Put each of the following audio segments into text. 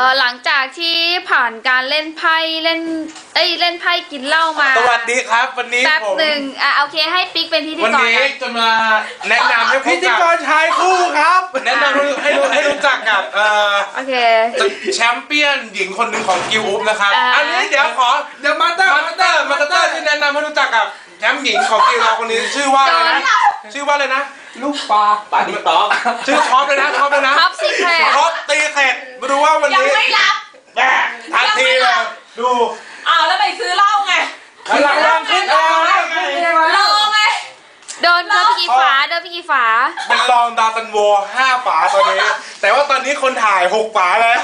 หลังจากที่ผ่านการเล่นไพ่เล่นไพ่กินเหล้ามาสวัสดีครับวันนี้แป๊บหนึ่งโอเคให้ปิ๊กเป็นพิธีกรวันนี้จะมาแนะนำให้พิธีกรชายคู่ครับแนะนำให้รู้จักกับโอเคแชมเปี้ยนหญิงคนหนึ่งของกิลอุ๊บนะครับอันนี้เดี๋ยวมาสเตอร์ที่แนะนำให้รู้จักกับแชมป์หญิงของกิลเราคนนี้ชื่อว่าอะไรนะลูกปลาที่ตอบชื่อท็อปเลยนะท็อปซีเคทท็อปตีเข็ดมาดูว่าวันนี้ยังไม่รับทันทีเลยดูแล้วไปซื้อเหล้าไงหลังขึ้นรอไงโดนไปกี่ฝาเป็นรองดาวซันโว5 ฝาตอนนี้แต่ว่าตอนนี้คนถ่าย6 ฝาแล้ว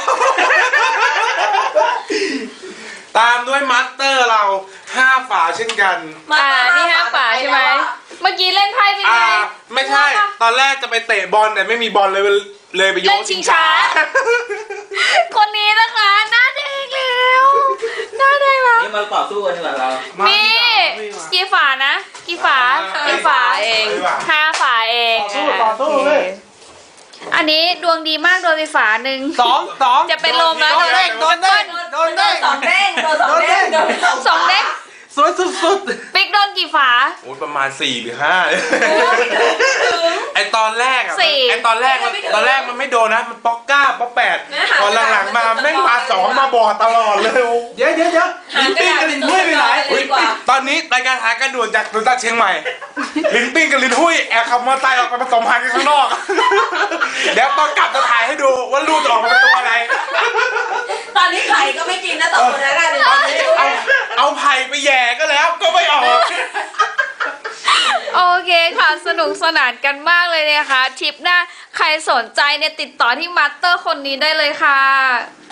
ตามด้วยมาสเตอร์เรา5 ฝาเช่นกันนี่5 ฝาใช่ไหมเมื่อกี้เล่นไพ่เป็นไงไม่ใช่ตอนแรกจะไปเตะบอลแต่ไม่มีบอลเลยไปโยนชิงช้าคนนี้นะคะหน้าแดงแล้วหน้าแดงแล้วนี่มาต่อสู้กันดีกว่าเรานี่กี่ฝานะกี่ฝาเอง5 ฝาเองต่อสู้เลยอันนี้ดวงดีมากโดนไปฝาหนึ่ง 2 จะเป็นลมแล้วโดนเด้ง2 เด้งสวยสุดๆปิ๊กโดนกี่ฝาประมาณ4 หรือ 5ไอตอนแรกมันไม่โดนนะมันป๊อก9 ป๊อก8ตอนหลังๆมาแม่งมา2มาบอดตลอดเลยเดี๋ยวลิ้นปิ้งกับลิ้นหุ้ยไปไหนตอนนี้รายการหากันด่วนจากโดนตัดเชียงใหม่ลิ้นปิ้งกับลิ้นหุ้ยแอบขับมอเตอร์ไซค์ออกไปผสมพันธุ์กันข้างนอกเดี๋ยวตอนกลับจะถ่ายให้ดูว่าลูกจะออกมาเป็นตัวอะไรตอนนี้ไข่ก็ไม่กินนะ2 คนนั้นเลยตอนนี้เอาไผ่ไปแย่ก็แล้วก็ไม่ออกโอเคค่ะสนุกสนานกันมากเลยนะคะทริปหน้าใครสนใจเนี่ยติดต่อที่มาสเตอร์คนนี้ได้เลยค่ะ